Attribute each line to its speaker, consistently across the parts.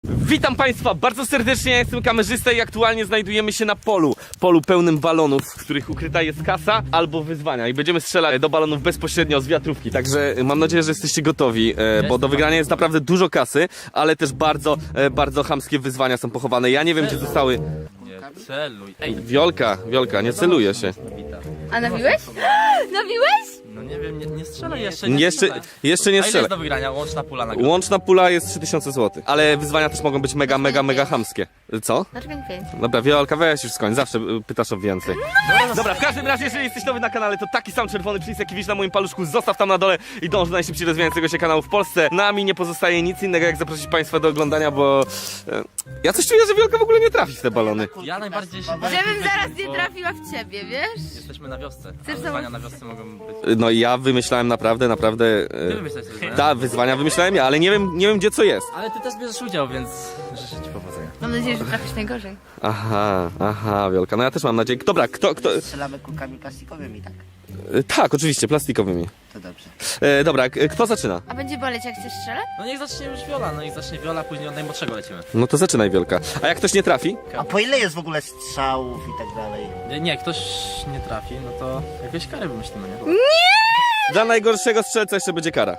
Speaker 1: Witam Państwa bardzo serdecznie, ja jestem kamerzysta i aktualnie znajdujemy się na polu pełnym balonów, w których ukryta jest kasa albo wyzwania i będziemy strzelać do balonów bezpośrednio z wiatrówki, także mam nadzieję, że jesteście gotowi, bo do wygrania jest naprawdę dużo kasy, ale też bardzo chamskie wyzwania są pochowane, ja nie wiem gdzie zostały...
Speaker 2: Nie celuj. Ej,
Speaker 1: Wiolka, nie celuje się.
Speaker 3: A nabiłeś? Nabiłeś?
Speaker 2: no nie wiem, nie strzelaj jeszcze.
Speaker 1: Jeszcze nie
Speaker 2: A ile
Speaker 1: strzelę.
Speaker 2: jest do wygrania? Łączna pula na grę.
Speaker 1: Łączna pula jest 3000 zł, ale wyzwania też mogą być mega chamskie. Co?
Speaker 3: Dlaczego nie 5?
Speaker 1: Dobra, Wiolka, weź już skończ, zawsze pytasz o więcej. Dobra, w każdym razie, jeżeli jesteś nowy na kanale, to taki sam czerwony przycisk, jaki widzisz na moim paluszku, zostaw tam na dole i dąż do najszybciej rozwijającego się kanału w Polsce. Nami nie pozostaje nic innego, jak zaprosić Państwa do oglądania, bo... ja coś czuję, że Wiolka w ogóle nie trafi w te balony.
Speaker 2: Ja najbardziej się boję
Speaker 3: Żebym
Speaker 2: tych
Speaker 3: zaraz
Speaker 2: wyzwań,
Speaker 3: nie
Speaker 2: bo
Speaker 3: trafiła w ciebie, wiesz?
Speaker 2: Jesteśmy na wiosce.
Speaker 3: Chcesz
Speaker 2: A wyzwania na wiosce mogą być.
Speaker 1: No i ja wymyślałem naprawdę...
Speaker 2: Ty wymyślać sobie wyzwania.
Speaker 1: Ta, wyzwania wymyślałem ja, ale nie wiem gdzie co jest.
Speaker 2: Ale ty też bierzesz udział, więc życzę ci powodzenia.
Speaker 3: Mam nadzieję, że trafisz najgorzej.
Speaker 1: Aha, Wiolka, no ja też mam nadzieję. Dobra, kto...
Speaker 4: Strzelamy kulkami plastikowymi, tak?
Speaker 1: Tak, oczywiście, plastikowymi.
Speaker 4: To dobrze.
Speaker 1: Dobra, kto zaczyna?
Speaker 3: A będzie boleć jak chcesz strzelać?
Speaker 2: No niech zacznie już Wiola, później od najmłodszego lecimy.
Speaker 1: No to zaczynaj, Wiolka. A jak ktoś nie trafi?
Speaker 4: A po ile jest w ogóle strzałów i tak dalej?
Speaker 2: Nie, ktoś nie trafi, no to jakieś kary wymyślimy, nie?
Speaker 1: Dla najgorszego strzelca jeszcze będzie kara.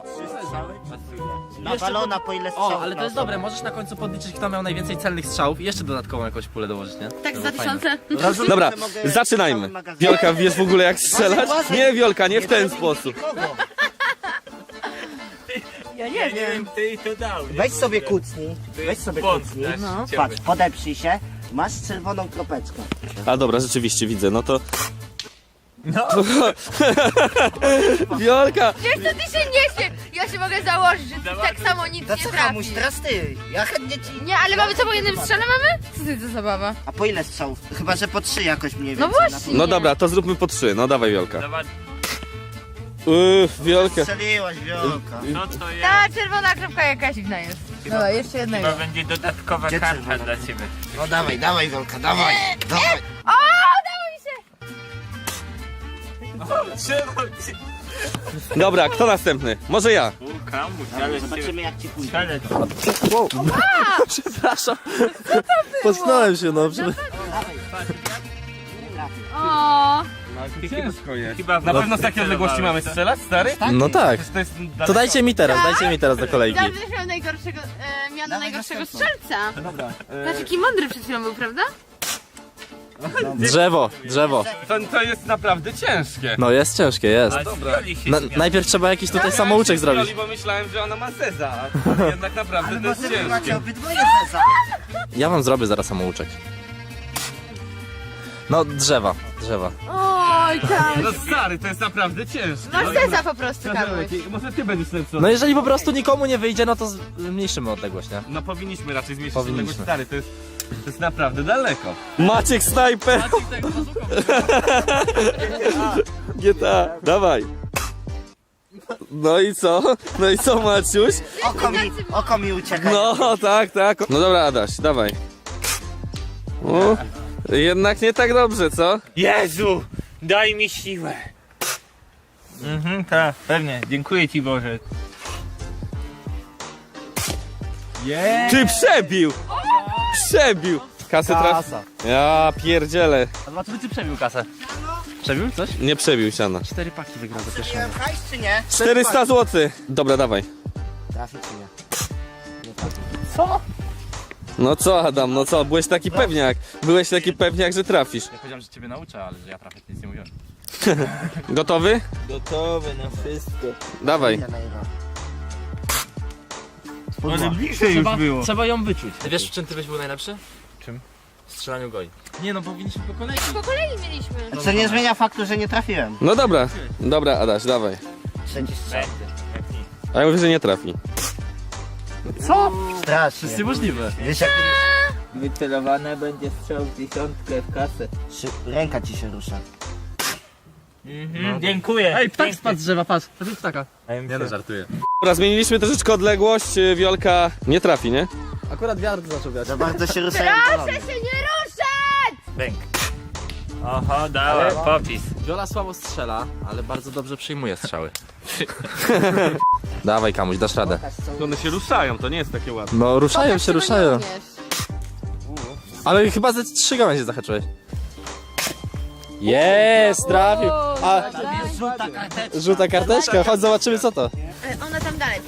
Speaker 4: Na balona po ile strzałów?
Speaker 2: O, ale to jest dobre, możesz na końcu podliczyć, kto miał najwięcej celnych strzałów i jeszcze dodatkową jakąś pulę dołożyć, nie?
Speaker 3: Tak,
Speaker 2: To
Speaker 3: za
Speaker 2: było fajne.
Speaker 3: 2000.
Speaker 4: Rozumiem,
Speaker 1: Dobra,
Speaker 4: że mogę
Speaker 1: zaczynajmy.
Speaker 4: cały magazyn-
Speaker 1: Wiolka, wiesz w ogóle jak strzelać?
Speaker 4: Uważaj.
Speaker 1: Nie, Wiolka, nie w ten
Speaker 4: zabiję
Speaker 1: sposób.
Speaker 4: nikogo.
Speaker 3: Ja nie wiem.
Speaker 4: Weź sobie kucnij. Weź sobie kucnij.
Speaker 3: No.
Speaker 4: Patrz, podeprzyj się. Masz czerwoną kropeczkę.
Speaker 1: A dobra, rzeczywiście widzę, no to... No. Wiolka!
Speaker 3: Wiesz co ty się niesie? Ja się mogę założyć, że ty tak samo nic
Speaker 4: To
Speaker 3: nie
Speaker 4: co komuś,
Speaker 3: trafisz.
Speaker 4: teraz ty. Ja chętnie ci...
Speaker 3: Nie, ale mamy co po jednym strzale mamy? Co ty za zabawa?
Speaker 4: A po ile strzałów? Chyba, że po 3 jakoś mniej
Speaker 3: No
Speaker 4: więcej.
Speaker 3: właśnie.
Speaker 1: No dobra, to zróbmy po 3, no dawaj Wiolka. Wiolka.
Speaker 4: Strzeliłaś, Wiolka.
Speaker 5: No to ja.
Speaker 3: Ta czerwona kropka jakaś dziwna jest. Dobra, jeszcze jednego.
Speaker 5: To będzie dodatkowa
Speaker 4: Gdzie
Speaker 5: karta
Speaker 4: czerwona?
Speaker 5: dla ciebie.
Speaker 4: No dawaj, Wiolka, dawaj. Dawaj.
Speaker 3: O, udało mi się!
Speaker 1: Dobra, kto następny? Może ja.
Speaker 5: Łuka, ale
Speaker 4: Zobaczymy jak ci pójdzie.
Speaker 5: Ale
Speaker 2: Przepraszam. Potknąłem się, no.
Speaker 3: O,
Speaker 1: Ciężko jest.
Speaker 5: chyba
Speaker 1: Na pewno z takiej odległości mamy strzelać, stary?
Speaker 2: No tak.
Speaker 1: To jest
Speaker 2: To dajcie mi teraz do kolejki.
Speaker 3: dobrze, że miał najgorszego, miano najgorszego strzelca.
Speaker 1: Dobra.
Speaker 3: Patrz, jaki mądry przed chwilą był, prawda?
Speaker 2: Drzewo.
Speaker 1: To jest naprawdę ciężkie.
Speaker 2: No jest ciężkie, jest.
Speaker 1: Dobra.
Speaker 2: Najpierw trzeba jakiś tutaj samouczek zrobić.
Speaker 1: Bo myślałem, że ona ma zeza, a to jednak naprawdę
Speaker 4: Ale
Speaker 1: to jest
Speaker 4: może wy macie
Speaker 1: ciężkie.
Speaker 4: obydwoje zeza.
Speaker 2: Ja wam zrobię zaraz samouczek. No drzewa.
Speaker 3: Oj, tam.
Speaker 1: No stary, to jest naprawdę ciężkie.
Speaker 3: Masz sesa po prostu, Karol.
Speaker 1: Może ty będziesz lepszy.
Speaker 2: No jeżeli po prostu nikomu nie wyjdzie, no to zmniejszymy odległość, nie?
Speaker 1: No powinniśmy raczej zmniejszyć
Speaker 2: Powinniśmy.
Speaker 1: odległość, stary, to jest naprawdę daleko. Maciek snajper! GTA, dawaj. No i co? No i co, Maciuś?
Speaker 4: Oko mi ucieka.
Speaker 1: No tak. No dobra, Adaś, dawaj. O, jednak nie tak dobrze, co?
Speaker 5: Jezu, daj mi siłę. Tak, pewnie. Dziękuję ci Boże.
Speaker 1: Ty przebił! Przebił! Kasę trafił. Ja pierdzielę.
Speaker 2: A zobaczymy, czy przebił kasę. Przebił coś?
Speaker 1: Nie przebił siana.
Speaker 2: 4 paki wygrał za pierwszą.
Speaker 4: Miałem hajs czy nie?
Speaker 1: 400 zł. Dobra, dawaj.
Speaker 4: Trafi czy nie?
Speaker 1: No co, Adam, no co? Byłeś taki pewniak. Byłeś taki pewniak, że trafisz.
Speaker 2: Ja powiedziałem, że ciebie nauczę, ale że ja trafię, nic nie mówiłem.
Speaker 1: Gotowy?
Speaker 5: Gotowy na wszystko.
Speaker 1: Dawaj.
Speaker 4: Idę na jego.
Speaker 5: Ale bliżej już było.
Speaker 2: Trzeba ją wyczuć. Wiesz, w czym ty byś był najlepszy?
Speaker 5: Czym?
Speaker 2: W strzelaniu goi. Nie no, powinniśmy po kolei.
Speaker 3: Po kolei mieliśmy.
Speaker 4: Co nie zmienia faktu, że nie trafiłem.
Speaker 1: No dobra. Dobra, Adaś, dawaj.
Speaker 4: Trzeci strzał.
Speaker 1: A ja mówię, że nie trafi.
Speaker 4: Strasznie.
Speaker 2: możliwe.
Speaker 4: Wiesz jak...
Speaker 5: Wycelowane będzie strzał w dziesiątkę w kasę.
Speaker 4: Ręka ci się rusza.
Speaker 5: Dziękuję.
Speaker 2: Ej, ptak spadł z drzewa, patrz. To jest ptaka.
Speaker 5: Nie no,
Speaker 2: żartuję.
Speaker 1: Dobra, zmieniliśmy troszeczkę odległość. Wiolka nie trafi, nie?
Speaker 2: Akurat wiatr zaczął wiać.
Speaker 4: Za bardzo się ruszają
Speaker 3: Proszę
Speaker 4: balony.
Speaker 3: się nie ruszać!
Speaker 5: Bęk. Oho, dałem popis.
Speaker 2: Wiola słabo strzela, ale bardzo dobrze przyjmuje strzały. Dawaj Kamuś, dasz radę.
Speaker 1: One się ruszają, to nie jest takie łatwe.
Speaker 2: No ruszają
Speaker 3: Pokaż,
Speaker 2: się,
Speaker 3: czego
Speaker 2: ruszają.
Speaker 3: nie umiesz.
Speaker 2: Ale chyba ze 3 gałęzie zahaczyłeś. Jest, trafił. A, żółta karteczka, chodź zobaczymy co to.
Speaker 3: Ona tam dalej.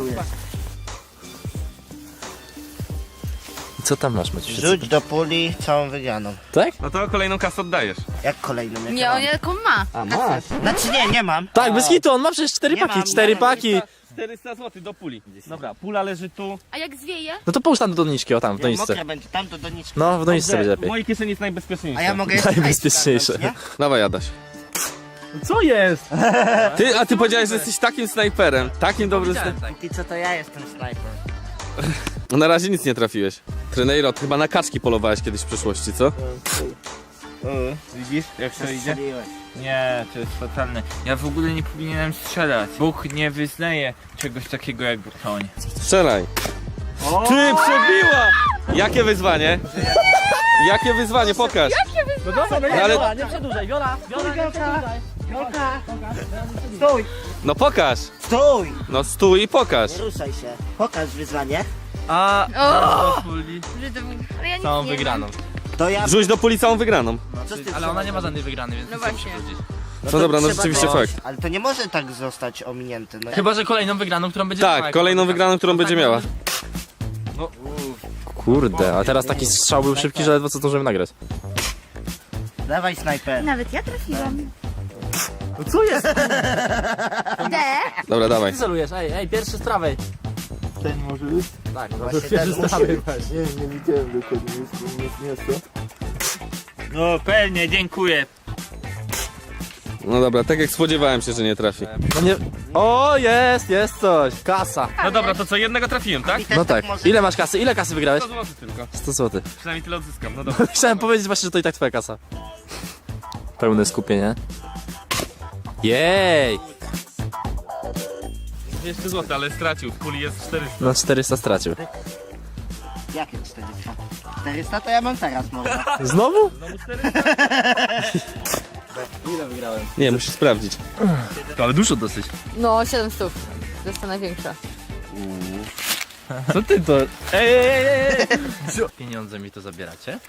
Speaker 2: Co tam masz, Maciuś?
Speaker 4: Rzuć do puli całą wygraną.
Speaker 2: Tak?
Speaker 1: No to kolejną kasę oddajesz.
Speaker 4: Jak kolejną? Jak
Speaker 3: Nie,
Speaker 4: ja
Speaker 3: on jaką ma.
Speaker 4: mam? A masz? Znaczy nie mam.
Speaker 2: Tak, bez hitu, on ma przecież 4
Speaker 4: Nie
Speaker 2: paki,
Speaker 4: mam,
Speaker 2: 4
Speaker 4: nie mam.
Speaker 2: paki.
Speaker 1: 400 zł do puli. Dobra, pula leży tu.
Speaker 3: A jak zwieje?
Speaker 2: No to połóż tam do doniczki, o tam, w
Speaker 4: Nie,
Speaker 2: doniczce.
Speaker 4: mokre będzie, tam do doniczki.
Speaker 2: No, w doniczce będzie
Speaker 1: W
Speaker 2: lepiej.
Speaker 1: mojej kieszeni jest najbezpieczniejsze.
Speaker 4: A ja mogę jeszcze
Speaker 2: Najbezpieczniejsze.
Speaker 4: nie?
Speaker 1: Dawaj, Adaś.
Speaker 2: Co jest?
Speaker 1: A ty powiedziałeś, że jesteś takim snajperem. Takim dobrym snajperem.
Speaker 4: Póki co to ja jestem snajper.
Speaker 1: Na razie nic nie trafiłeś. Trenerot, chyba na kaczki polowałeś kiedyś w przeszłości, co?
Speaker 5: Widzisz, jak to idzie?
Speaker 4: Strzeliłeś.
Speaker 5: Nie, to jest fatalne. Ja w ogóle nie powinienem strzelać. Bóg nie wyznaje czegoś takiego jak broń.
Speaker 1: Strzelaj. Ty, przebiła! Jakie wyzwanie? Jakie wyzwanie? Pokaż.
Speaker 2: No dobra, no
Speaker 1: No ale-
Speaker 2: Wiola, nie przedłużaj, Wiola, Wiola, nie przedłużaj.
Speaker 4: Stój!
Speaker 1: No pokaż.
Speaker 4: Stój!
Speaker 1: No stój i pokaż.
Speaker 4: Nie ruszaj się. Pokaż wyzwanie.
Speaker 2: A,
Speaker 3: O!
Speaker 2: puli.
Speaker 3: Ale ja nic
Speaker 2: Całą
Speaker 3: nie
Speaker 2: wygraną.
Speaker 4: To ja...
Speaker 1: Wrzuć do puli całą wygraną.
Speaker 4: Co z tym
Speaker 2: Ale ona
Speaker 4: trzeba
Speaker 2: nie ma żadnej wygranej, więc
Speaker 3: No
Speaker 2: nic nie musi
Speaker 3: właśnie.
Speaker 2: powiedzieć.
Speaker 1: No
Speaker 4: to
Speaker 1: dobra, no
Speaker 4: trzeba
Speaker 1: rzeczywiście
Speaker 4: to-
Speaker 1: fakt.
Speaker 4: Ale to nie może tak zostać ominięte. No.
Speaker 2: Chyba, że kolejną wygraną, którą będzie miała.
Speaker 1: Tak, kolejną wygraną, którą będzie miała.
Speaker 2: Kurde, a teraz taki strzał był szybki, że ledwo co zdążymy nagrać.
Speaker 4: Dawaj snajper.
Speaker 3: Nawet ja trafiłam.
Speaker 2: No co jest?
Speaker 3: D.
Speaker 1: Dobra, dawaj.
Speaker 2: Ty celujesz, ej, pierwszy z prawej.
Speaker 5: Ten może być?
Speaker 2: Tak,
Speaker 4: Właśnie
Speaker 2: pierwszy
Speaker 4: ten
Speaker 2: z
Speaker 4: musi
Speaker 2: prawej.
Speaker 5: Nie widziałem dokładnie, jest to. No pewnie, dziękuję.
Speaker 1: No dobra, tak jak spodziewałem się, że nie trafi.
Speaker 2: No nie... O, jest coś, kasa.
Speaker 1: No dobra, to co, jednego trafiłem, tak?
Speaker 4: I też
Speaker 2: No tak,
Speaker 4: może-
Speaker 2: ile masz kasy? Ile kasy wygrałeś?
Speaker 1: 100 zł tylko.
Speaker 2: 100 zł.
Speaker 1: Przynajmniej tyle odzyskam, no dobra.
Speaker 2: Chciałem powiedzieć właśnie, że to i tak twoja kasa. Pełne skupienie. Jej!
Speaker 1: 200 zł, ale stracił. W puli jest 400.
Speaker 2: No 400 stracił.
Speaker 4: Jakie 400? 400 to ja mam teraz może.
Speaker 2: Znowu?
Speaker 1: Nie, musisz sprawdzić.
Speaker 2: To ale dużo dosyć.
Speaker 3: No, 700. To jest ta największa.
Speaker 2: Co ty to? Ej! Pieniądze mi to zabieracie?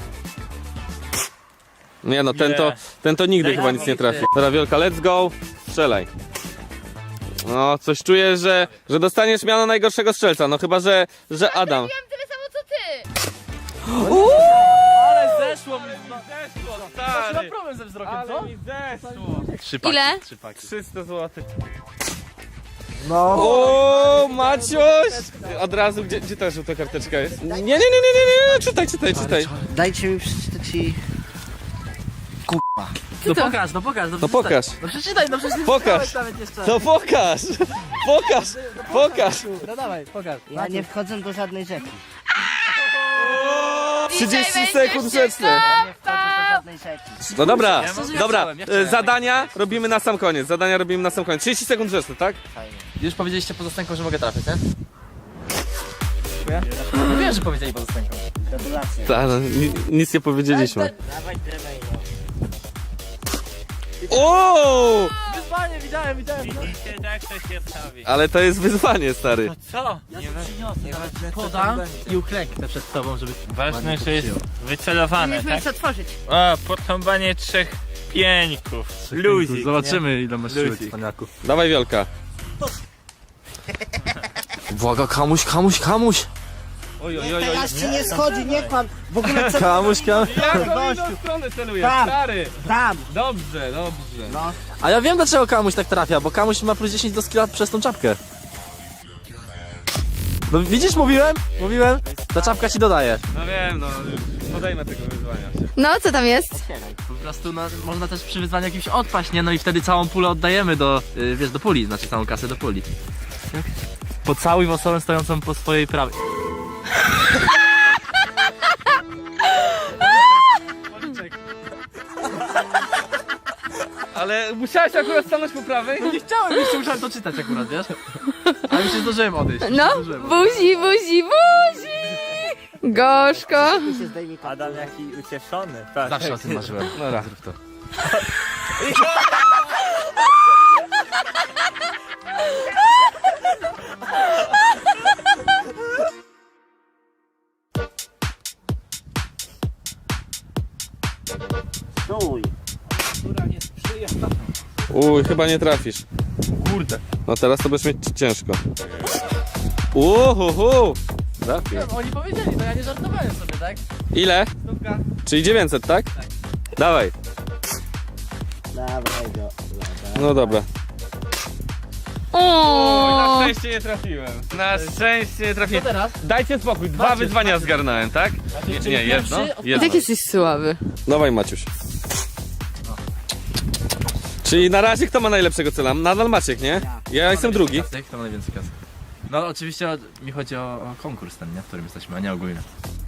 Speaker 1: Nie no, ten to nigdy chyba nic nie trafi. Dobra, Wielka, let's go. Strzelaj. No, coś czuję, że dostaniesz miano najgorszego strzelca. No chyba, że Adam.
Speaker 3: Trafiłam tyle samo co ty.
Speaker 2: Ale zeszło mi!
Speaker 1: Zeszło,
Speaker 2: Mam problem ze wzrokiem, co?
Speaker 1: mi zeszło.
Speaker 2: 3 paki.
Speaker 3: Ile?
Speaker 2: 3 paki.
Speaker 1: 300 zł.
Speaker 2: No.
Speaker 1: O, Maciuś! Od razu, gdzie ta żółta karteczka jest? Nie, czytaj.
Speaker 4: Dajcie mi przeczytać i...
Speaker 2: No pokaż, no pokaż.
Speaker 1: No pokaż.
Speaker 2: No przeczytaj, no przecież nie
Speaker 1: Pokaż.
Speaker 2: czytałeś nawet jeszcze.
Speaker 1: To pokaż!
Speaker 2: No dawaj, pokaż.
Speaker 4: Ja nie wchodzę do żadnej rzeki.
Speaker 1: 30
Speaker 3: Dzisiaj
Speaker 1: sekund
Speaker 3: będziesz się
Speaker 1: grzeczne.
Speaker 4: Nie wchodzę do żadnej rzeki.
Speaker 1: No dobra,
Speaker 2: Ja
Speaker 1: dobra.
Speaker 2: chciałem.
Speaker 1: Zadania robimy na sam koniec. 30 sekund grzeczne, tak?
Speaker 4: Fajnie.
Speaker 2: Już powiedzieliście pozostańką, że mogę trafić, nie? No wiem, że powiedzieli pozostańką.
Speaker 4: Gratulacje.
Speaker 1: Tak, no, nic nie powiedzieliśmy.
Speaker 4: Dawaj drewno.
Speaker 1: O!
Speaker 2: Wyzwanie, widziałem.
Speaker 5: Widzicie, tak to się stawi.
Speaker 1: Ale to jest wyzwanie, stary.
Speaker 5: Co?
Speaker 2: Nieważne, podam i uklęknę przed tobą, żeby...
Speaker 5: Ważne, że jest wycelowane,
Speaker 3: Nie
Speaker 5: tak?
Speaker 3: możesz otworzyć.
Speaker 5: O, potąbanie 3 pieńków. Luzik.
Speaker 2: Zobaczymy, ile masz siły,
Speaker 5: Luzik.
Speaker 2: cwaniaku.
Speaker 1: Dawaj, Wielka.
Speaker 2: Błaga, kamuś.
Speaker 1: Oj.
Speaker 4: Teraz ci nie schodzi, nie kłam. W ogóle co...
Speaker 2: Kamuś.
Speaker 1: Jak inną stronę celujesz,
Speaker 4: Tam.
Speaker 1: stary?
Speaker 4: Tam.
Speaker 1: Dobrze.
Speaker 4: No.
Speaker 2: A ja wiem, dlaczego kamuś tak trafia, bo kamuś ma plus 10 do skilla przez tą czapkę. No widzisz, mówiłem? Ta czapka ci dodaje.
Speaker 1: No wiem, no. Podejmę tego wyzwania.
Speaker 3: No, co tam jest?
Speaker 2: Po prostu no, można też przy wyzwaniu jakimś odpaść, nie? No i wtedy całą pulę oddajemy do, wiesz, do puli, znaczy całą kasę do puli. Pocałuj osobę stojącą po swojej prawej.
Speaker 1: Ale musiałeś akurat stanąć po prawej?
Speaker 2: Nie chciałem, jeszcze musiałem to czytać akurat, wiesz? Ale już się zdążyłem odejść.
Speaker 3: No, buzi. Gorzko.
Speaker 4: Mi się zdejmij to.
Speaker 5: Adam jaki ucieszony. Tak.
Speaker 2: Zawsze o tym marzyłem.
Speaker 1: No raz.
Speaker 2: Zrób to.
Speaker 4: Stój.
Speaker 1: Uj, chyba nie trafisz.
Speaker 2: Kurde.
Speaker 1: No teraz to będziesz mieć ciężko. Uhuhu! Trafił.
Speaker 2: Oni powiedzieli, no ja nie żartowałem sobie, tak?
Speaker 1: Ile?
Speaker 2: Stówka.
Speaker 1: Czyli 900, tak? Dawaj.
Speaker 4: Dawaj go.
Speaker 1: No dobra.
Speaker 3: O!
Speaker 1: Na szczęście nie trafiłem. Na szczęście nie
Speaker 2: Co
Speaker 1: trafiłem.
Speaker 2: teraz?
Speaker 1: Dajcie spokój, dwa
Speaker 2: Maciuś,
Speaker 1: wyzwania
Speaker 2: Maciuś.
Speaker 1: zgarnąłem, tak? Nie, jedno.
Speaker 3: I
Speaker 1: jedno.
Speaker 3: tak jesteś słaby.
Speaker 1: Dawaj Maciuś. Czyli na razie kto ma najlepszego cela? Nadal Maciek, nie? Ja jestem drugi.
Speaker 2: Kto ma najwięcej kasy? No oczywiście mi chodzi o konkurs ten, nie? W którym jesteśmy, a nie ogólnie.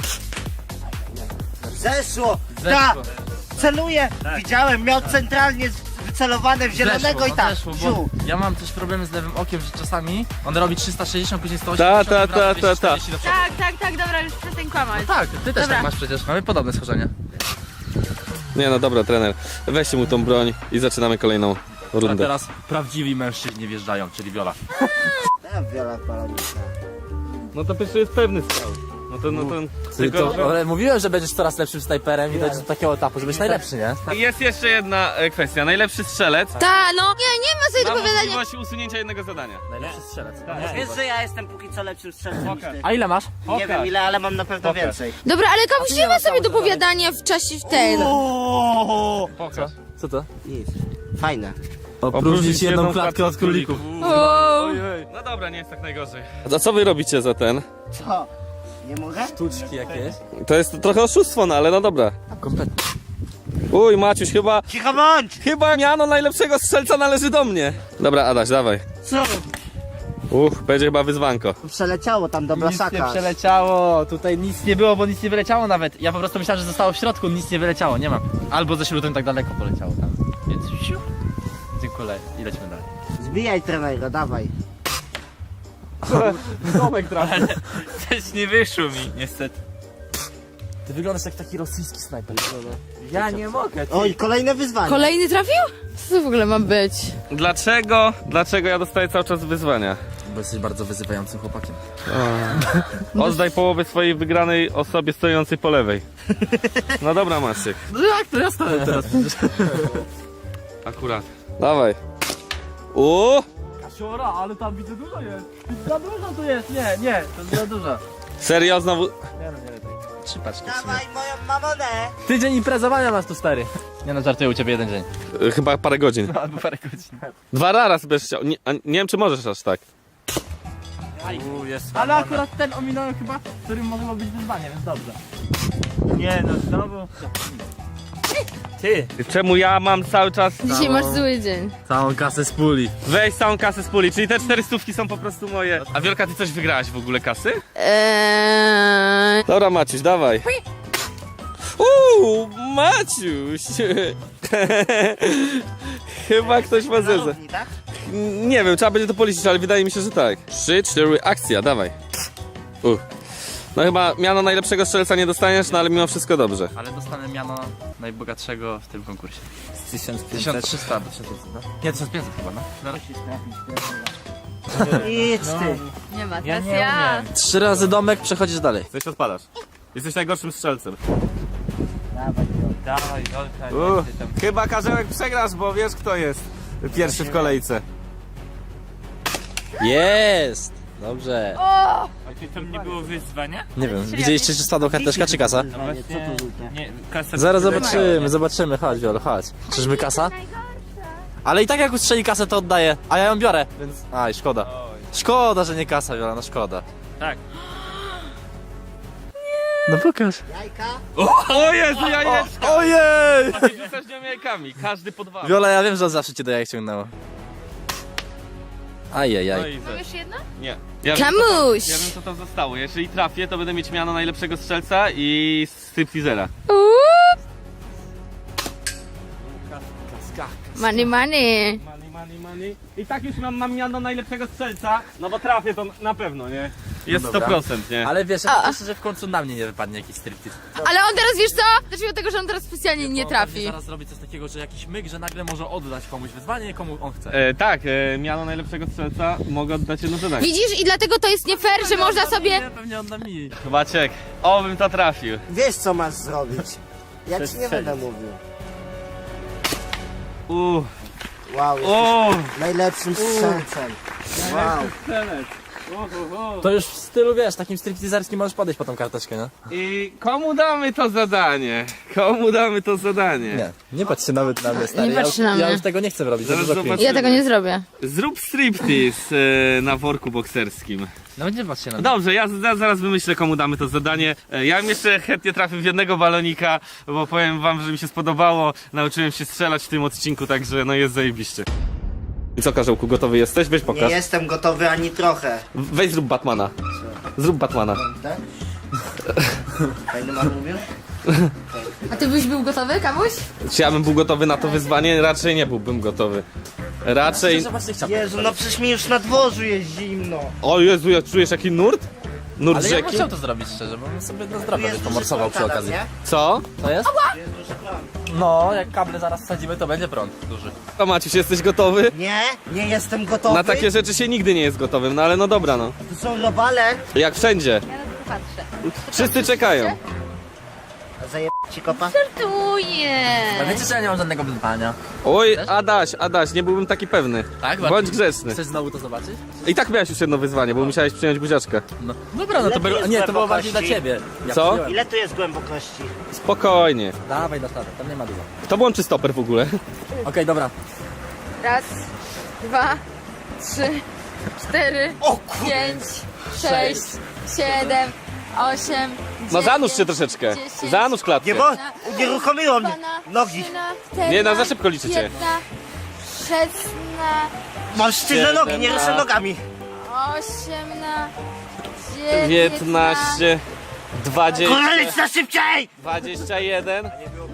Speaker 4: Zeszło! Tak! Celuję! Widziałem, miał centralnie wycelowane w zielonego i tak.
Speaker 2: Zeszło, bo
Speaker 4: Wziął.
Speaker 2: ja mam też problemy z lewym okiem, że czasami on robi 360, później 180,
Speaker 1: Ta,
Speaker 2: i wraca
Speaker 1: ta, ta, ta.
Speaker 2: 240 do przodu.
Speaker 3: Tak, dobra, już przestań kłamać.
Speaker 2: Tak, ty też
Speaker 3: Dobra.
Speaker 2: tak masz przecież. Mamy podobne schorzenie.
Speaker 1: Nie no dobra trener, weźcie mu tą broń i zaczynamy kolejną
Speaker 2: A
Speaker 1: rundę.
Speaker 2: teraz prawdziwi mężczyźni wjeżdżają, czyli Viola.
Speaker 4: Tak, Wiola Polonica.
Speaker 1: No to pierwszy jest pewny strzał. No to tylko, że...
Speaker 2: Ale mówiłem, że będziesz coraz lepszym snajperem i dojdziesz do takiego etapu, że będziesz najlepszy, nie?
Speaker 1: Jest jeszcze jedna kwestia. Najlepszy strzelec
Speaker 3: Ta, no. Nie ma sobie
Speaker 1: ma
Speaker 3: dopowiadania.
Speaker 1: możliwość usunięcia jednego zadania.
Speaker 2: Najlepszy strzelec.
Speaker 4: Wiesz, że ja jestem póki co lepszym strzelcem niż ty.
Speaker 2: A ile masz?
Speaker 4: Nie wiem ile, ale mam na pewno więcej.
Speaker 3: Dobra, ale kamuś nie ma sobie dopowiadania w czasie w ten.
Speaker 1: Pokaż.
Speaker 2: Co to?
Speaker 4: Nic. Fajne.
Speaker 2: Opróżnić jedną klatkę od królików.
Speaker 3: O!
Speaker 1: No dobra, nie jest tak najgorzej. A co wy robicie za ten?
Speaker 4: Co? Nie mogę?
Speaker 2: Sztuczki jakieś?
Speaker 1: To jest trochę oszustwo, no ale no dobra.
Speaker 2: Kompletnie.
Speaker 1: Uj, Maciuś,
Speaker 4: Cicho bądź!
Speaker 1: chyba miano najlepszego strzelca należy do mnie. Dobra, Adaś, dawaj.
Speaker 4: Co?
Speaker 1: Będzie chyba wyzwanko.
Speaker 4: Przeleciało tam do
Speaker 2: Nic nie
Speaker 4: blasaka.
Speaker 2: przeleciało, tutaj nic nie było, bo nic nie wyleciało nawet. Ja po prostu myślałem, że zostało w środku, nic nie wyleciało, nie ma. Albo ze śrutem tak daleko poleciało tam. Więc siu. Dziękuję i lecimy dalej.
Speaker 4: Zbijaj trenergo, dawaj.
Speaker 1: Domek trafił.
Speaker 5: Coś nie wyszło mi, niestety.
Speaker 2: Ty wyglądasz jak taki rosyjski snajper. Ja nie mogę.
Speaker 4: Oj, kolejne wyzwanie.
Speaker 3: Kolejny trafił? Co to w ogóle ma być?
Speaker 1: Dlaczego ja dostaję cały czas wyzwania?
Speaker 2: Bo jesteś bardzo wyzywającym chłopakiem.
Speaker 1: Oddaj połowę swojej wygranej osobie stojącej po lewej. No dobra, Maciek.
Speaker 2: No jak to ja stałem teraz?
Speaker 1: Akurat. Dawaj.
Speaker 2: Kasiora, ale tam widzę dużo jest. Za dużo tu jest, nie, to jest za dużo.
Speaker 1: Serio znowu?
Speaker 2: Nie no, nie lepiej. 3 paczki.
Speaker 4: Dawaj moją mamonę.
Speaker 2: Tydzień imprezowania masz tu, stary. Nie no, żartuję, u ciebie jeden dzień.
Speaker 1: Chyba parę godzin.
Speaker 2: Albo parę godzin.
Speaker 1: 2 razy będziesz chciał. Nie wiem, czy możesz aż tak.
Speaker 5: Jest
Speaker 2: Ale akurat ten ominąłem chyba, którym mogło być wyzwanie, więc dobrze.
Speaker 5: Nie no, znowu. Ty!
Speaker 1: Czemu ja mam cały czas...
Speaker 3: Dzisiaj masz zły dzień.
Speaker 2: Całą kasę z puli.
Speaker 1: Weź całą kasę z puli, czyli te 400 są po prostu moje. A Wielka, ty coś wygrałaś w ogóle kasy? Dobra, Maciuś, dawaj. Maciuś! Chyba ktoś ma zezę.
Speaker 4: Równi, tak?
Speaker 1: Nie wiem, trzeba będzie to policzyć, ale wydaje mi się, że tak. 3, 4, akcja, dawaj. No chyba miano najlepszego strzelca nie dostaniesz, no ale mimo wszystko dobrze.
Speaker 2: Ale dostanę miano najbogatszego w tym konkursie.
Speaker 5: 1500.
Speaker 2: 1300 albo 1500, no? Nie, 1500 chyba, no.
Speaker 4: Idź ty.
Speaker 3: Nie ma,
Speaker 5: Ja
Speaker 3: teraz
Speaker 5: nie
Speaker 3: ja.
Speaker 5: umiem.
Speaker 2: 3 razy domek, przechodzisz dalej.
Speaker 1: Coś odpadasz. Jesteś najgorszym strzelcem.
Speaker 4: Dawaj go.
Speaker 5: Dawaj, Olka, nie ty tam.
Speaker 1: Chyba Karzełek przegrasz, bo wiesz kto jest pierwszy w kolejce.
Speaker 2: Jest! Dobrze.
Speaker 3: O!
Speaker 5: A ty tam nie było wyzwania?
Speaker 2: Nie wiem, widzieliście czy spadła karteczka czy kasa?
Speaker 5: No właśnie,
Speaker 4: Co tu rzucie?
Speaker 5: nie, kasa...
Speaker 2: Zaraz zobaczymy, chodź Wiolo, chodź. Czyżby kasa? Ale i tak jak ustrzeli kasę to oddaję, a ja ją biorę, więc... Aj, szkoda. Szkoda, że nie kasa Wiola, no szkoda.
Speaker 5: Tak.
Speaker 2: No pokaż.
Speaker 4: Jajka?
Speaker 1: O Jezu, jajeczka!
Speaker 2: Ojej!
Speaker 1: Ty rzucasz nią jajkami, każdy po 2.
Speaker 2: Wiola, ja wiem, że on zawsze cię do jajek ciągnęło.
Speaker 1: No
Speaker 2: Ajajaj.
Speaker 1: i
Speaker 3: Mam jeszcze jedno?
Speaker 1: Nie.
Speaker 3: Kamuś!
Speaker 1: Ja wiem co tam zostało. Jeżeli trafię, to będę mieć miano najlepszego strzelca i stripteasera.
Speaker 3: Money, money.
Speaker 1: Money. I tak już mam miano najlepszego strzelca, no bo trafię to na pewno, nie? Jest
Speaker 2: No dobra.
Speaker 1: 100%, nie?
Speaker 2: Ale wiesz, ja cieszę, że w końcu na mnie nie wypadnie jakiś striptease.
Speaker 3: Ale on teraz, wiesz co? Zacznijmy od tego, że on teraz specjalnie nie
Speaker 2: Bo
Speaker 3: trafi.
Speaker 2: pewnie zaraz robi coś takiego, że jakiś myk, że nagle może oddać komuś wyzwanie, komu on chce.
Speaker 1: Tak, miano najlepszego strzelca mogę oddać jedno zadanie.
Speaker 3: Widzisz? I dlatego to jest nie fair, że można sobie...
Speaker 2: Nie, pewnie odda mi.
Speaker 1: Maciek, obym to trafił.
Speaker 4: Wiesz co masz zrobić. Ja ci nie będę mówił. Wow,
Speaker 1: O!
Speaker 4: jesteś najlepszym strzelcem. Wow.
Speaker 2: To już w stylu, wiesz, takim stripteaserskim możesz podejść po tą karteczkę, nie?
Speaker 1: I komu damy to zadanie? Komu damy to zadanie?
Speaker 2: Nie, nie patrz się nawet na mnie, stary.
Speaker 3: Nie patrz się na mnie.
Speaker 2: Ja już tego nie chcę robić, za
Speaker 1: Zaraz
Speaker 2: dużo
Speaker 1: zobaczymy.
Speaker 2: cringe.
Speaker 3: Ja tego nie zrobię.
Speaker 1: Zrób striptease na worku bokserskim.
Speaker 2: No nie patrz się na mnie.
Speaker 1: Dobrze, ja zaraz wymyślę, komu damy to zadanie. Ja bym jeszcze chętnie trafił w jednego balonika, bo powiem wam, że mi się spodobało. Nauczyłem się strzelać w tym odcinku, także no jest zajebiście. I co, Karzełku, gotowy jesteś? Weź
Speaker 4: Nie
Speaker 1: pokaż.
Speaker 4: jestem gotowy ani trochę.
Speaker 1: Weź zrób Batmana. Zrób Batmana.
Speaker 4: Tak? Fajny mam mówił?
Speaker 3: A ty byś był gotowy, Kamuś?
Speaker 1: Czy ja bym był gotowy na to wyzwanie? Raczej nie byłbym gotowy. Raczej...
Speaker 2: Zobacz tych ciapek.
Speaker 4: Jezu, no przecież mi już na dworzu jest zimno.
Speaker 1: O Jezu, jak czujesz jaki nurt? Nurt
Speaker 2: Ale ja bym
Speaker 1: rzeki?
Speaker 2: chciał to zrobić szczerze, bo bym sobie na
Speaker 4: Tu
Speaker 2: zdrowie
Speaker 4: jest
Speaker 2: byś
Speaker 4: duży
Speaker 2: pomorsował przy
Speaker 4: prąd,
Speaker 2: okazji.
Speaker 4: nie?
Speaker 1: Co?
Speaker 2: To jest?
Speaker 4: Jest duży prąd.
Speaker 2: No, jak kable zaraz wsadzimy, to będzie prąd duży.
Speaker 1: To Maciuś, jesteś gotowy?
Speaker 4: Nie, nie jestem gotowy.
Speaker 1: Na takie rzeczy się nigdy nie jest gotowym, no ale no dobra no.
Speaker 4: Tu są robale.
Speaker 1: Jak wszędzie.
Speaker 3: Ja na to patrzę.
Speaker 1: Wszyscy czekają.
Speaker 4: Zajeb ci kopa?
Speaker 2: A
Speaker 3: Żartuję.
Speaker 2: wiecie, że ja nie mam żadnego wyzwania?
Speaker 1: Oj, Adaś, nie byłbym taki pewny.
Speaker 2: Tak?
Speaker 1: Bądź grzeczny.
Speaker 2: Chcesz znowu to zobaczyć?
Speaker 1: I tak miałeś już jedno wyzwanie, bo musiałeś przyjąć buziaczkę.
Speaker 2: No. Dobra, no to
Speaker 4: Ile
Speaker 2: było,
Speaker 4: jest
Speaker 2: nie, to było bardziej dla
Speaker 4: głębokości?
Speaker 2: ciebie. Ja
Speaker 1: Co?
Speaker 2: przyjąłem.
Speaker 4: Ile tu jest głębokości?
Speaker 1: Spokojnie.
Speaker 2: Dawaj na statek, tam nie ma dużo.
Speaker 1: Kto włączy stoper w ogóle?
Speaker 2: Okej, dobra.
Speaker 3: Raz, dwa, trzy, cztery, pięć, sześć, siedem, osiem,
Speaker 1: No zanurz się troszeczkę. Zanurz klatkę.
Speaker 4: Nie, bo unieruchomiło mnie. Nogi.
Speaker 1: Nie, na za szybko liczycie.
Speaker 3: 15, 16,
Speaker 4: Mam sztywne nogi, nie ruszę nogami.
Speaker 3: 18,
Speaker 1: 19, 20,
Speaker 4: Korelic na szybciej!
Speaker 1: 21,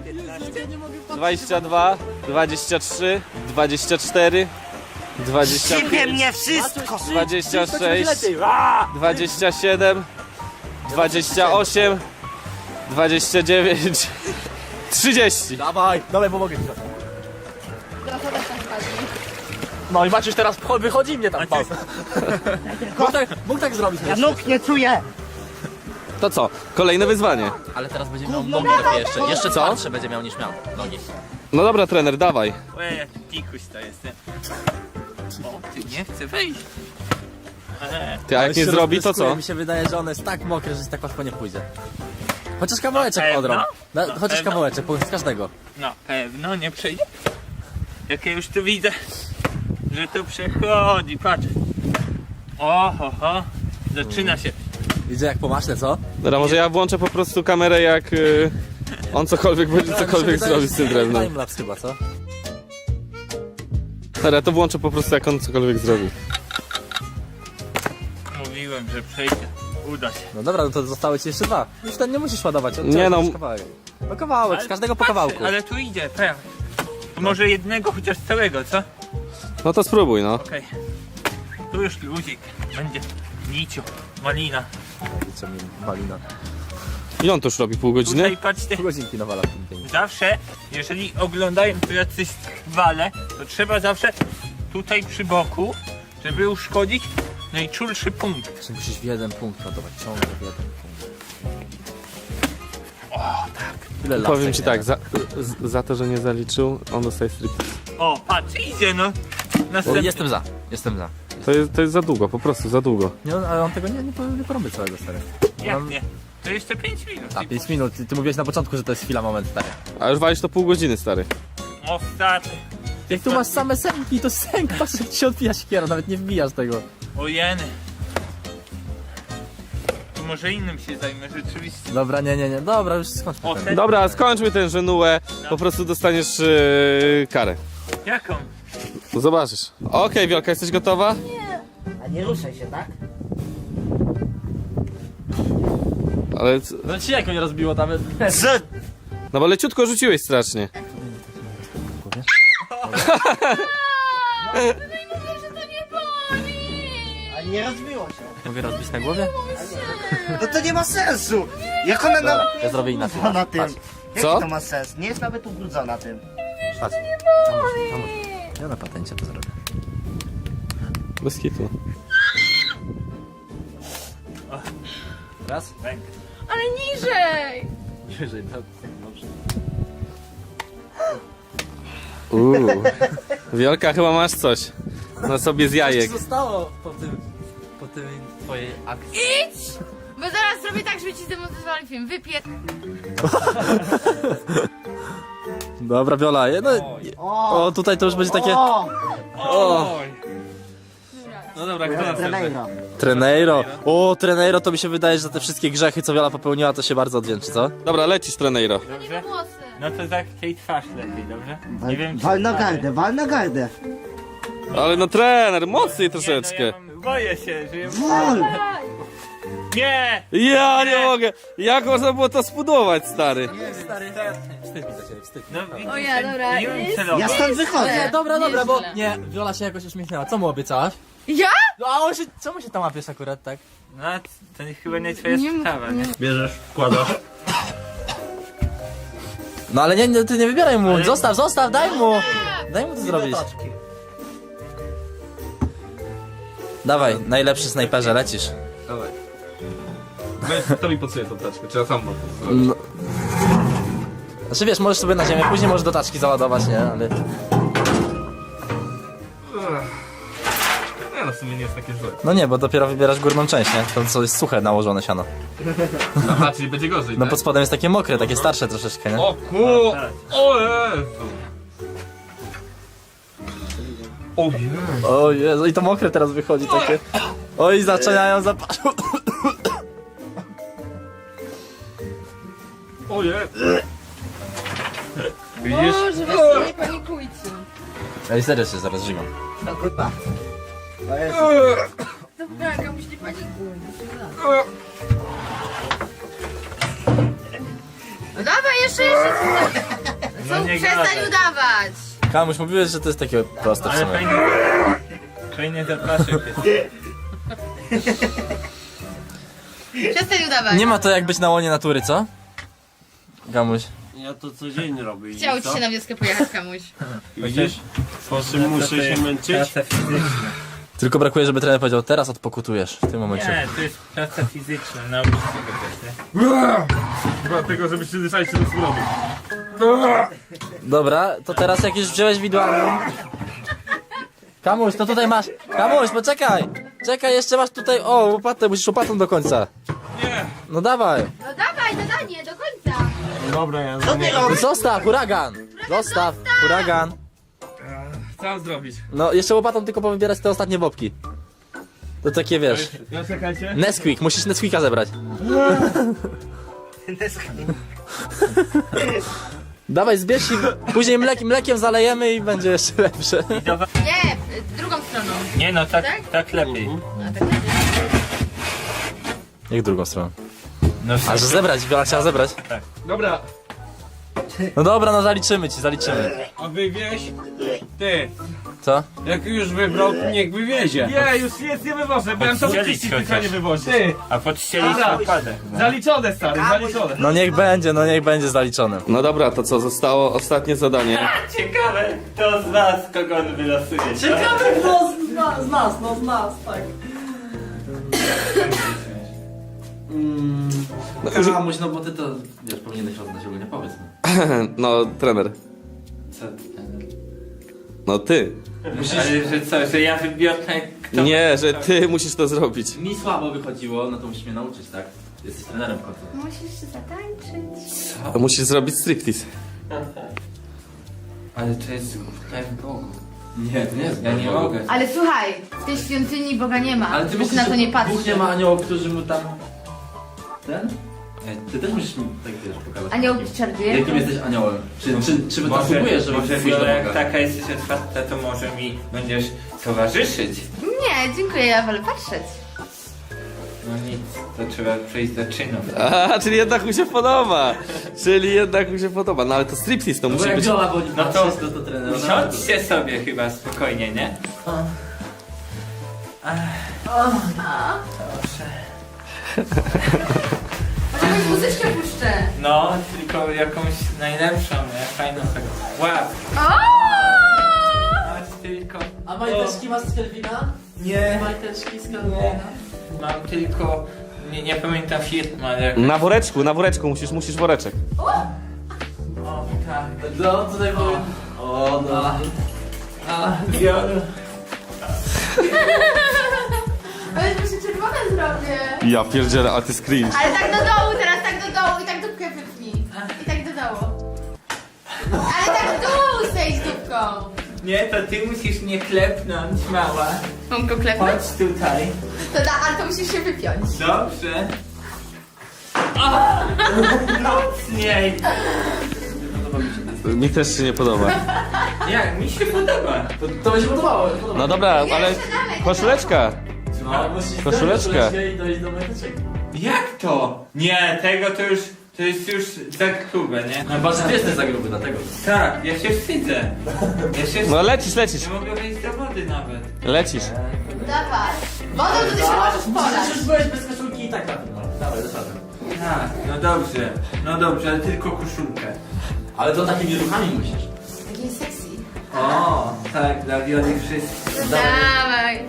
Speaker 1: 22, 23, 24,
Speaker 4: Sypie
Speaker 1: 25,
Speaker 4: mnie wszystko.
Speaker 1: 26, 27, 28, 29, 30.
Speaker 2: Dawaj, pomogę ci. No i Maciuś teraz wychodzi mnie tam. Mógł tak zrobić.
Speaker 4: Ja nóg nie czuję.
Speaker 1: To co? Kolejne wyzwanie.
Speaker 2: Ale teraz będzie miał nogi lepiej jeszcze. Jeszcze
Speaker 1: Co?
Speaker 2: twardsze będzie miał niż miał nogi.
Speaker 1: No dobra, trener, dawaj.
Speaker 5: Ojej, tikuś to jestem. O, ty nie chcę wejść.
Speaker 1: Ty, a jak nie zrobi, to co?
Speaker 2: Mi się wydaje, że on jest tak mokry, że tak łatwo nie pójdzie. Chociaż kawałeczek
Speaker 5: Pewno?
Speaker 2: odrąb. Chociaż
Speaker 5: Pewno?
Speaker 2: kawałeczek, z każdego.
Speaker 5: No, pewno nie przejdzie. Jak ja już tu widzę, że to przechodzi, patrz. Oho, zaczyna się.
Speaker 2: Widzę jak po maśle, co?
Speaker 1: Dobra, może ja włączę po prostu kamerę, jak on cokolwiek będzie cokolwiek zrobić z tym drewnem.
Speaker 2: Timelapse chyba, co?
Speaker 1: Dobra, to włączę po prostu, jak on cokolwiek zrobi.
Speaker 5: Mówiłem, że przejdzie. Uda się.
Speaker 2: No dobra, no to zostały ci jeszcze dwa. Już ten nie musisz ładować.
Speaker 1: Nie no.
Speaker 2: Kawałek. No kawałek, z każdego po
Speaker 5: patrzę,
Speaker 2: kawałku.
Speaker 5: Ale tu idzie, pewnie. Może jednego chociaż całego, co?
Speaker 1: No to spróbuj, no.
Speaker 5: Okej. Tu już luzik. Będzie niciu, malina.
Speaker 2: Co mi malina.
Speaker 1: I on to już robi pół godziny?
Speaker 5: Tutaj patrzcie.
Speaker 2: Pół godzinki nawala w tym pięknie.
Speaker 5: Zawsze, jeżeli oglądają tu jacyś wale, to trzeba zawsze tutaj przy boku, żeby uszkodzić najczulszy punkt.
Speaker 2: Czy musisz w jeden punkt ładować, ciągle w jeden punkt.
Speaker 5: O, tak.
Speaker 2: Tyle lat
Speaker 1: Powiem ci tak,
Speaker 2: nie?
Speaker 1: za to, że nie zaliczył, on dostaje striptease.
Speaker 5: O, patrz, idzie no. Następny.
Speaker 2: Jestem za.
Speaker 1: To jest za długo, po prostu za długo.
Speaker 2: Nie, ale on tego nie porobi całego, stary.
Speaker 5: Jak nie? To jeszcze 5 minut.
Speaker 2: A, 5 minut. Ty mówiłeś na początku, że to jest chwila, moment, stary.
Speaker 1: A już walisz to pół godziny, stary.
Speaker 5: Ostatni.
Speaker 2: Jak tu masz same sęki, to sęk, patrz jak ci się odbija siekiera, nawet nie wbijasz tego.
Speaker 5: Ojeny. To może innym się zajmę rzeczywiście.
Speaker 2: Dobra, nie, dobra, już skończmy
Speaker 5: O,
Speaker 2: ten.
Speaker 5: ten-
Speaker 1: Dobra, skończmy ten żenułę, po prostu dostaniesz karę.
Speaker 5: Jaką?
Speaker 1: Zobaczysz. Okej, Wiolka, jesteś gotowa?
Speaker 4: A nie ruszaj się, tak?
Speaker 1: Ale,
Speaker 2: No ci jak mnie rozbiło tam.
Speaker 4: Z...
Speaker 1: no bo leciutko rzuciłeś strasznie.
Speaker 4: A nie rozbiło się.
Speaker 2: Mogę rozbić na głowie?
Speaker 4: No to nie ma sensu. Jak ona na...
Speaker 2: Ja zrobię inaczej.
Speaker 4: na tym.
Speaker 2: Patrz,
Speaker 4: Jaki
Speaker 1: Co?
Speaker 4: to ma sens? Nie jest nawet ubrudzona tym.
Speaker 2: patrz. Ja na patencie to zrobię.
Speaker 1: Bez kitu.
Speaker 2: Raz?
Speaker 5: Rękę.
Speaker 3: Ale niżej!
Speaker 2: Wyżej, dobrze.
Speaker 1: Wiolka, chyba masz coś na sobie z jajek.
Speaker 2: Co zostało po tym twojej akcji?
Speaker 3: Idź! Bo zaraz zrobię tak, żeby ci zdemontowali film. Wypię...
Speaker 2: Dobra, Viola, no, o, tutaj to już będzie takie...
Speaker 1: No dobra, kto następny?
Speaker 4: Treneiro.
Speaker 2: Treneiro. O, Treneiro, to mi się wydaje, że za te wszystkie grzechy, co Viola popełniła, to się bardzo odwdzięczy, co?
Speaker 1: Dobra, lecisz, Treneiro.
Speaker 3: Nie ma włosy.
Speaker 5: No to tak tej twarz lepiej, dobrze? Nie wiem, czy...
Speaker 4: Wal na gardę, wal na gardę.
Speaker 1: Ale no trener, mocniej
Speaker 5: Nie,
Speaker 1: troszeczkę.
Speaker 5: no ja mam... Boję się, że...
Speaker 4: Wal!
Speaker 5: Nie!
Speaker 1: Ja nie mogę. Jak można było to zbudować, stary?
Speaker 2: Wstyd mi za ciebie, wstyd.
Speaker 5: No widzisz,
Speaker 3: O ja, dobra,
Speaker 5: nie wiem
Speaker 3: jest-
Speaker 5: celowo.
Speaker 4: Ja stąd wychodzę.
Speaker 2: Dobra, dobra, bo...
Speaker 3: Nieźle.
Speaker 2: Nie, Viola się jakoś uśmiechnęła. Co mu obiecałaś?
Speaker 3: Ja?
Speaker 2: No a on się... Czemu się tam łapiesz akurat, tak?
Speaker 5: No to chyba nie twoja
Speaker 3: Nie
Speaker 5: sprawa, nie?
Speaker 6: Bierzesz, wkładasz.
Speaker 2: No ale nie, ty nie wybieraj mu, zostaw, daj mu! Daj mu to zrobić. Dawaj, najlepszy snajperze, lecisz.
Speaker 1: Dawaj. To mi podsuje tą taczkę, czy ja sam mam to
Speaker 2: No. Znaczy wiesz, możesz sobie na ziemię, później możesz do taczki załadować, nie? Ale...
Speaker 1: Nie no, w sumie nie jest takie złe.
Speaker 2: No nie, bo dopiero wybierasz górną część, nie? To co jest suche nałożone siano.
Speaker 1: Aha, czyli będzie gorzej,
Speaker 2: No
Speaker 1: tak?
Speaker 2: pod spodem jest takie mokre, takie starsze troszeczkę, nie?
Speaker 1: O O Jezu! O Jezu!
Speaker 2: O Jezu, i to mokre teraz wychodzi takie. Oj, zaczynają zapaszą.
Speaker 1: O Jezu!
Speaker 3: Boże, weź nie panikujcie.
Speaker 2: Ej, serio się zaraz żygam.
Speaker 4: No kurwa. To jest...
Speaker 3: Dobra, Kamuś, nie panikuj. No dawaj, jeszcze.
Speaker 5: No nie
Speaker 3: Przestań
Speaker 5: gadaj.
Speaker 3: udawać.
Speaker 2: Kamuś, mówiłeś, że to jest takie proste w
Speaker 5: Ale
Speaker 2: sumie.
Speaker 5: fajny zapaszek jest.
Speaker 3: Przestań udawać.
Speaker 2: Nie ma to jak być na łonie natury, co? Kamuś.
Speaker 6: Ja to codziennie robię. i
Speaker 3: Chciał ci
Speaker 6: co?
Speaker 3: się na wioskę pojechać, Kamuś.
Speaker 6: Widzisz? Po czym muszę się męczyć?
Speaker 5: Praca fizyczna.
Speaker 2: Tylko brakuje, żeby trener powiedział, teraz odpokutujesz w tym momencie.
Speaker 5: Nie, to jest praca fizyczna, nauczyć tego też, nie?
Speaker 1: Dlatego, żeby przyzwyczaić się do smrodu.
Speaker 2: Dobra, to teraz jak już wziąłeś widłami... Kamuś, to tutaj masz... Kamuś, poczekaj! Czekaj, jeszcze masz tutaj... O, łopatę, musisz łopatą do końca.
Speaker 1: Nie!
Speaker 2: No dawaj!
Speaker 3: No dawaj, zadanie, do końca.
Speaker 6: Dobra, ja
Speaker 4: Co ty robisz?
Speaker 2: Zostaw, huragan! Zostaw, huragan!
Speaker 1: Co mam zrobić?
Speaker 2: No, jeszcze łopatą tylko powybierać te ostatnie bobki. To takie, wiesz...
Speaker 1: No czekajcie.
Speaker 2: Nesquik, musisz Nesquika zebrać. Dawaj, zbierz i później mlekiem zalejemy i będzie jeszcze lepsze.
Speaker 3: Nie, drugą stroną.
Speaker 5: Nie no,
Speaker 3: Tak?
Speaker 5: tak lepiej.
Speaker 3: A tak lepiej.
Speaker 2: Jak drugą stroną?
Speaker 5: No,
Speaker 2: A że zebrać, Wiola chciała zebrać.
Speaker 1: Dobra,
Speaker 2: No dobra, no zaliczymy ci, zaliczymy.
Speaker 6: A wywieź? Ty,
Speaker 2: Co?
Speaker 6: jak już wybrał, to niech wywiezie.
Speaker 1: nie, już jest, nie wywożę, bo ja to
Speaker 5: Podstrzelić
Speaker 1: wyczyścić tylko
Speaker 5: chociaż.
Speaker 1: nie wywozi. Ty,
Speaker 5: A podścielić
Speaker 1: Dobra.
Speaker 5: odpadę.
Speaker 1: zaliczone, stary, zaliczone.
Speaker 2: No niech będzie zaliczone.
Speaker 1: No dobra, to co, zostało ostatnie zadanie.
Speaker 5: Ciekawe, kto z was kogo on wylosuje.
Speaker 2: kto z nas, tak. Kamuś, no bo ty to, wiesz, powinieneś oddać ogólnie, powiedz mi.
Speaker 1: No, trener.
Speaker 5: Co?
Speaker 1: No ty.
Speaker 5: Ale że co, że ja wybiorę kto...
Speaker 1: Nie, że ty musisz to zrobić.
Speaker 2: Mi słabo wychodziło, no to musisz mnie nauczyć, tak? Jesteś trenerem w końcu.
Speaker 3: Musisz się zatańczyć.
Speaker 1: Musisz zrobić striptease.
Speaker 5: Ale to jest w Bogu.
Speaker 2: Nie, to nie jest.
Speaker 5: Ja nie mogę.
Speaker 3: Ale słuchaj, w tej świątyni Boga nie ma.
Speaker 2: Ale ty
Speaker 3: Bóg
Speaker 2: myślisz,
Speaker 3: na to
Speaker 2: że
Speaker 3: nie patrzy.
Speaker 2: Bóg nie ma aniołów, którzy mu tam... Ten? Ty też musisz mi tak, wiesz, pokazać.
Speaker 3: Anioł czaruje.
Speaker 2: Jakim jesteś aniołem? Czy
Speaker 5: Może,
Speaker 2: wysługujesz, żeby
Speaker 5: może
Speaker 2: pójść do
Speaker 5: Wiola, jak
Speaker 2: Boga?
Speaker 5: taka jesteś otwarta, to może mi będziesz towarzyszyć.
Speaker 3: Nie, dziękuję, ja wolę patrzeć.
Speaker 5: No nic, to trzeba przejść do czynów.
Speaker 1: A, czyli jednak mu się podoba. Czyli jednak mu się podoba. No ale to striptease to
Speaker 2: Bo
Speaker 1: musi
Speaker 2: jak
Speaker 1: być.
Speaker 2: Viola boli
Speaker 5: No to-
Speaker 2: patrzeć, to trener.
Speaker 5: Siądźcie sobie chyba spokojnie, nie?
Speaker 3: Może jakąś muzyczkę puszczę.
Speaker 5: No, tylko jakąś najlepszą, nie? Fajną taką. Łap!
Speaker 3: O!
Speaker 5: Masz tylko...
Speaker 2: A majteczki masz z Kelvina?
Speaker 5: Nie.
Speaker 2: Majteczki z Kelvina?
Speaker 5: Mam tylko... Nie pamiętam firmy, ale...
Speaker 1: Na woreczku musisz woreczek.
Speaker 5: O, tak.
Speaker 2: No, tutaj powiem... O, O no.
Speaker 3: Ale to się czerwone zrobię.
Speaker 1: Ja pierdzielę, a ty screen.
Speaker 3: Ale tak do dołu teraz, tak do dołu i tak dupkę wypnij. I tak do dołu. Ale tak w dół zejdź dupką.
Speaker 5: Nie, to ty musisz mnie klepnąć, mała.
Speaker 3: Mam go klepnąć?
Speaker 5: Chodź tutaj.
Speaker 3: To da, ale to musisz się wypiąć.
Speaker 5: Dobrze. Mocniej.
Speaker 1: Mi też się nie podoba.
Speaker 5: Jak? Mi się podoba.
Speaker 2: To będzie podobało.
Speaker 1: No dobra, ale
Speaker 3: Jeszcze dalej,
Speaker 1: koszuleczka.
Speaker 2: No, musisz
Speaker 1: Koszuleczkę.
Speaker 2: i dojść do meteczek.
Speaker 5: Jak to? Nie, tego to jest już za grube, nie?
Speaker 2: No patrz, ty jesteś za gruby, dlatego.
Speaker 5: Tak, ja się wstydzę. Ja się
Speaker 1: No
Speaker 5: wstydzę.
Speaker 1: lecisz.
Speaker 5: Nie mogę wejść do wody nawet.
Speaker 1: Lecisz.
Speaker 3: Dawaj. Wodą to ty się możesz polać.
Speaker 2: Już byłeś bez koszulki i tak na tym. Dawaj, dosadam.
Speaker 5: Tak, no dobrze, ale tylko koszulkę.
Speaker 2: Ale to takimi ruchami musisz.
Speaker 3: Taki sexy.
Speaker 5: O, tak, dla Wioli wszystko.
Speaker 3: Dawaj.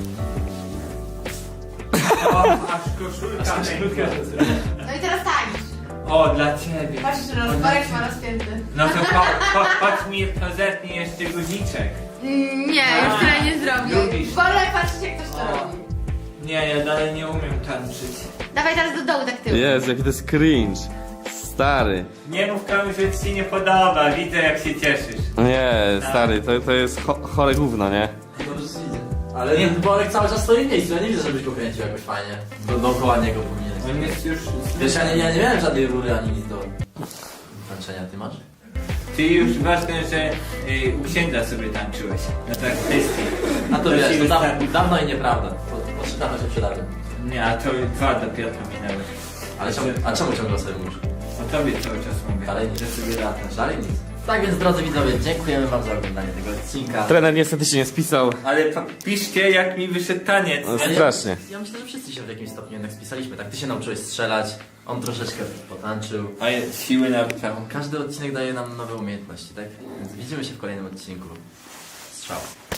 Speaker 5: O, aż koszulka pękła.
Speaker 3: No i teraz tańcz.
Speaker 5: O, dla ciebie.
Speaker 3: Patrz, że rozporek ma rozpięty.
Speaker 5: No to chodź mi to zetnij jeszcze guziczek.
Speaker 3: Nie, już tyle nie zrobię.
Speaker 5: Lubisz.
Speaker 3: Wolę patrzeć jak ktoś to
Speaker 5: O.
Speaker 3: robi.
Speaker 5: Nie, ja dalej nie umiem tańczyć.
Speaker 3: Dawaj teraz do dołu tak tył.
Speaker 1: Jezu, jaki to jest cringe. Stary.
Speaker 5: Nie mów komuś, że ci się nie podoba, widzę jak się cieszysz.
Speaker 1: Nie, stary, to jest chore gówno, nie?
Speaker 2: Dobrze się idzie. Ale nie, Borek cały czas stoi w miejscu, ja nie widzę, żebyś go kręcił jakoś fajnie. Dookoła niego powinieneś.
Speaker 5: On jest już...
Speaker 2: Wiesz, ja nie miałem żadnej rury ani nic do tańczenia, ty masz?
Speaker 5: Ty już ważne, że u księdza sobie tańczyłeś. No tak, kwestii.
Speaker 2: A to wiesz,
Speaker 5: ci
Speaker 2: to
Speaker 5: wystarczy.
Speaker 2: dawno i nieprawda. Dawno się przydarzy.
Speaker 5: Nie, a to 2 dopiero minęły.
Speaker 2: Ale czemu ciągle sobie mówisz?
Speaker 5: O tobie cały czas mówię.
Speaker 2: Ale
Speaker 5: że sobie latasz.
Speaker 2: Dalej nic. Tak więc drodzy widzowie, dziękujemy wam za oglądanie tego odcinka.
Speaker 1: Trener niestety się nie spisał.
Speaker 5: Ale piszcie jak mi wyszedł taniec.
Speaker 1: No,
Speaker 5: nie?
Speaker 1: strasznie.
Speaker 2: Ja myślę, że wszyscy się w jakimś stopniu jednak spisaliśmy. Tak, ty się nauczyłeś strzelać, on troszeczkę potańczył.
Speaker 5: A ja siły na całą.
Speaker 2: Każdy odcinek daje nam nowe umiejętności, tak? Więc widzimy się w kolejnym odcinku. Strzał.